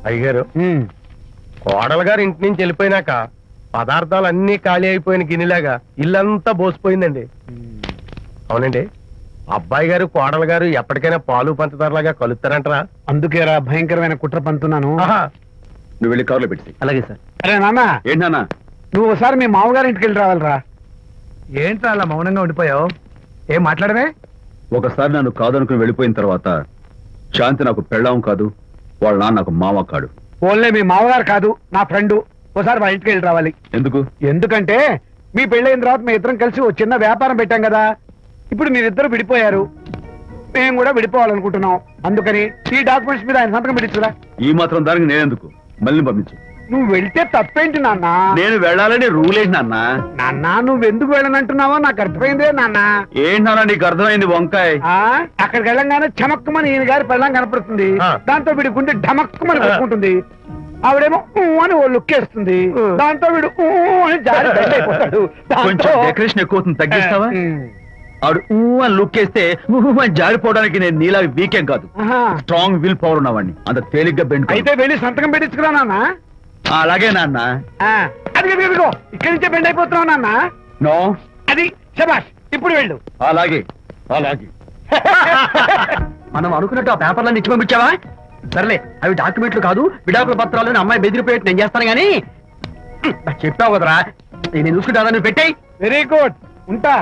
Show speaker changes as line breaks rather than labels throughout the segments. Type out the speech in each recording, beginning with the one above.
అయ్యగారు కోడలు గారు ఇంటి నుంచి వెళ్ళిపోయినాక పదార్థాలు అన్ని ఖాళీ అయిపోయిన గిన్నెలాగా ఇల్లంతా బోసిపోయిందండి. అవునండి, అబ్బాయి గారు కోడలు గారు ఎప్పటికైనా పాలు పంచదారలాగా కలుస్తారంటరా?
అందుకేరా భయంకరమైన కుట్ర పంతున్నాను.
నువ్వు వెళ్ళి కారులో పెట్టి.
అలాగే సార్.
అరే నాన్న,
ఏంటన్నా?
నువ్వు ఒకసారి మీ మామగారి ఇంటికి వెళ్ళి రావాలిరా.
ఏంట్రా అలా మౌనంగా ఉండిపోయావు? ఏం మాట్లాడమే?
ఒకసారి నన్ను కాదనుకుని వెళ్ళిపోయిన తర్వాత శాంతి నాకు పెళ్ళాం కాదు, వాళ్ళ నాన్న నాకు మామ కాడు.
ఓన్లే మీ మామగారు కాదు, నా ఫ్రెండ్. ఒకసారి మా ఇంటికి వెళ్ళి రావాలి.
ఎందుకు?
ఎందుకంటే మీ పెళ్ళైన తర్వాత మీ ఇద్దరం కలిసి ఓ చిన్న వ్యాపారం పెట్టాం కదా. ఇప్పుడు మీరిద్దరు విడిపోయారు, మేము కూడా విడిపోవాలనుకుంటున్నాం. అందుకని ఈ డాక్యుమెంట్స్ మీద ఆయన సంతకం పెట్టించురా.
ఈ మాత్రం దానికి నేనెందుకు? మళ్ళీ పంపించు.
నువ్వు వెళ్తే తప్పేంటి నాన్న?
నేను వెళ్ళాలని రూల్ ఏంటి నాన్న?
నాన్న, నువ్వు ఎందుకు వెళ్ళనంటున్నావో నాకు అర్థమైందే నాన్న.
ఏంటి నాన్న నీకు అర్థమైంది వంకాయ?
అక్కడికి వెళ్ళంగానే చమక్కుమని ఈయన గారి పెళ్ళం కనపడుతుంది. దాంతో వీడి గుండె ఢమక్కుమని కొట్టుకుంటుంది. ఆవిడేమో అని ఓ లుక్ వేస్తుంది. దాంతో వీడు అని జారి బెడ్ అయిపోతాడు.
కొంచెం డెకరేషన్ ఎక్కువ అవుతుంది, తగ్గిస్తావా? ఆవిడ అని లుక్ వేస్తే అని జారిపోవడానికి నేను నీలా వీకేం కాదు, స్ట్రాంగ్ విల్ పవర్ ఉన్నవాడిని. అంత తేలిగ్గా బెండ్.
అయితే వెళ్ళి సంతకం పెట్టించుకురా నాన్న.
అలాగే నాన్న.
అది ఇక్కడి నుంచే బెండ్ అయిపోతున్నావు నాన్న.
నో,
అది శబాష్. ఇప్పుడు వెళ్ళు.
అలాగే అలాగే.
మనం అనుకున్నట్టు ఆ పేపర్లను ఇచ్చి పంపించావా? సర్లే, అవి డాక్యుమెంట్లు కాదు, విడాకుల పత్రాలను అమ్మాయి బెదిరిపోయేట్టు నేను చేస్తాను గానీ చెప్పావు కదరా, నేను చూసుకుంటా. నువ్వు పెట్టాయి.
వెరీ గుడ్, ఉంటా.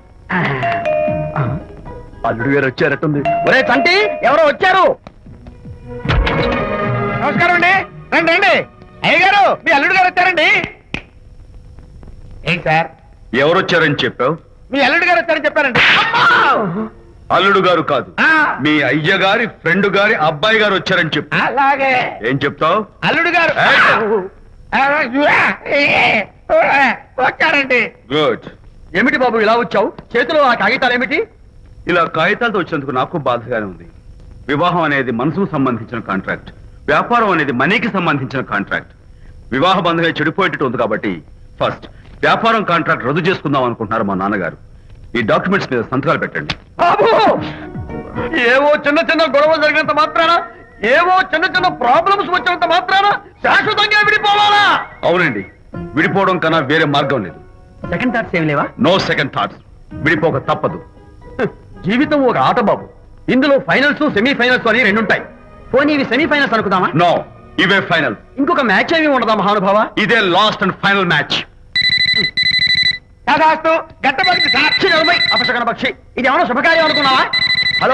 అల్లుడు గారు వచ్చారట్టుంది. ఒరే తంటి, ఎవరో వచ్చారు.
నమస్కారం అండి. రండి రండి. అయ్యగారు, మీ అల్లుడు గారు వచ్చారండి. ఏంటి సార్?
ఎవరు వచ్చారని చెప్పావు?
మీ అల్లుడు గారు వచ్చారని చెప్పారండి.
అల్లుడు గారు కాదు, మీ అయ్య గారి ఫ్రెండ్ గారి అబ్బాయి గారు వచ్చారని చెప్పు.
అలాగే.
ఏం చెప్తావు?
అల్లుడు గారు వచ్చారండి.
గుడ్.
ఏమిటి బాబు ఇలా వచ్చావు? చేతిలో ఆ కాగితాలు ఏమిటి?
ఇలా కాగితాలతో వచ్చినందుకు నాకు బాధగానే ఉంది. వివాహం అనేది మనసుకు సంబంధించిన కాంట్రాక్ట్, వ్యాపారం అనేది మనీకి సంబంధించిన కాంట్రాక్ట్. వివాహ బంధంగా చెడిపోయేటట్టు ఉంది కాబట్టి ఫస్ట్ వ్యాపారం కాంట్రాక్ట్ రద్దు చేసుకుందాం అనుకుంటున్నారు మా నాన్నగారు. ఈ డాక్యుమెంట్స్ మీద సంతకాలు పెట్టండి.
బాబు, ఏవో చిన్న చిన్న గొడవలు జరిగినంత మాత్రాన, ఏవో చిన్న చిన్న ప్రాబ్లమ్స్ వచ్చినంత మాత్రాన శాశ్వతంగా విడిపోవాలా?
అవునండి, విడిపోవడం కన్నా వేరే మార్గం లేదు.
సెకండ్ థాట్స్ ఏమి లేవా?
No second thoughts. విడిపోక తప్పదు.
జీవితం ఒక ఆట బాబు, ఇందులో ఫైనల్స్ సెమీఫైనల్స్ అని రెండుంటాయి. పోనీ ఇవి సెమీఫైనల్స్ అనుకుందామా?
నో, ఇవే ఫైనల్.
ఇంకొక మ్యాచ్ ఏమి ఉండదా మహానుభావ?
ఇదే లాస్ట్ అండ్ ఫైనల్ మ్యాచ్.
గట్టబడి
సాక్షి నిలబై అపశకన పక్షి, ఇది ఏమన్నా శుభకార్యం అనుకున్నావా? హలో,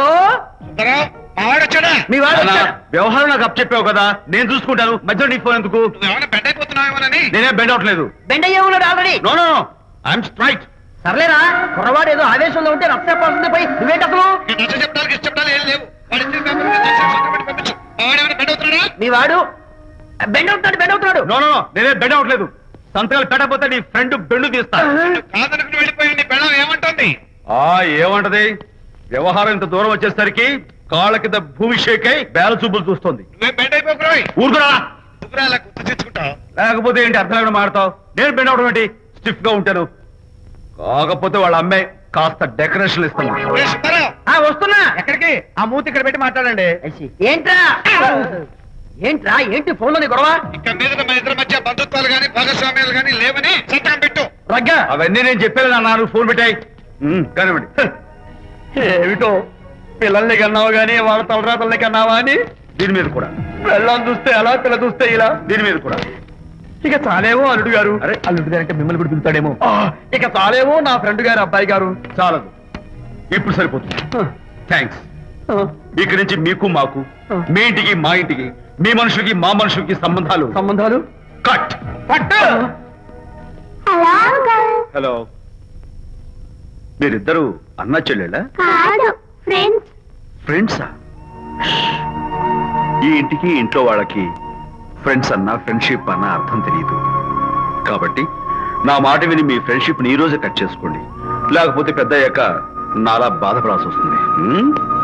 మీ వాడు వచ్చాడా?
వ్యవహారం నాకు అప్ చెప్పావు కదా, నేను చూసుకుంటాను. మధ్యలో నీ ఫోన్ ఎందుకు?
బెడ్ అయిపోతున్నావేమోనని.
నేనే బెండ్ అవట్లేదు.
బెండ్ అయ్యే ఉన్నాడు already.
No no no, I'm straight.
సర్లేరా, కుర్రవాడు ఏదో ఆవేశంలో ఉంటే రక్త పడుతుంది. పోయి నువ్వేంటి అసలు? మీ వాడు బెండ్ అవుతున్నాడు, బెండ్ అవుతున్నాడు.
నో నో నో, నేనే బెండ్ అవట్లేదు. సంతకాలు పెట్టకపోతే నీ ఫ్రెండ్ బెండు తీస్తా.
ఏమంటుంది?
ఏమంటది? వ్యవహారం ఇంత దూరం వచ్చేసరికి కాళ్ళ కింద భూమి షేక్ అయి బేల చూపులు చూస్తుంది. ఊరుకురా. లేకపోతే ఏంటి అర్థం లేకుండా మాడతావు? నేను బెండ్ అవడం ఏంటి? స్టిఫ్ గా ఉంటాను. కాకపోతే వాళ్ళ అమ్మాయి కాస్త డెకరేషన్ ఇస్తాను.
వస్తున్నా.
ఎక్కడికి? ఆ మూతి ఇక్కడ పెట్టి మాట్లాడండి.
ఏంట్రా ఏంట్రా ఏంటి ఫోన్ లోని గొడవ?
ఇక్కడ మీద మన ఇద్దరి మధ్య బంధుత్వాలు గాని భాగస్వామ్యాలు గాని లేవని సంతకం పెట్టు.
రగ్గా,
అవన్నీ నేను చెప్పాను నాన్న, ఫోన్ పెట్టాయి. కానివ్వండి.
ఏమిటో పిల్లల్ని కన్నావు గానీ వాళ్ళ తలరాతల్ని కన్నావా అని.
దీని మీద కూడా
పిల్లల్ని చూస్తే అలా, పిల్ల చూస్తే ఇలా.
దీని మీద కూడా
ఇక చాలేమో అల్లుడు గారు.
అరే,
అల్లుడు గారు అంటే మిమ్మల్ని కూడా పిలుతాడేమో. ఇక చాలేమో నా ఫ్రెండ్ గారు అబ్బాయి గారు.
చాలదు, ఇప్పుడు సరిపోతుంది. థ్యాంక్స్. ఇక్కడి నుంచి మీకు మాకు, మీ ఇంటికి మా ఇంటికి, మీ మనుషులకి మా మనుషులకి సంబంధాలు కట్. హలో, మీరిద్దరు అన్నా చెల్లెళ్ళా? ఫ్రెండ్సా? ఈ ఇంటికి ఇంట్లో వాళ్ళకి ఫ్రెండ్స్ అన్నా ఫ్రెండ్షిప్ అన్నా అర్థం తెలియదు. కాబట్టి నా మాట విని మీ ఫ్రెండ్షిప్ ని ఈ రోజే కట్ చేసుకోండి, లేకపోతే పెద్ద అయ్యాక నాలా బాధపడాల్సి వస్తుంది.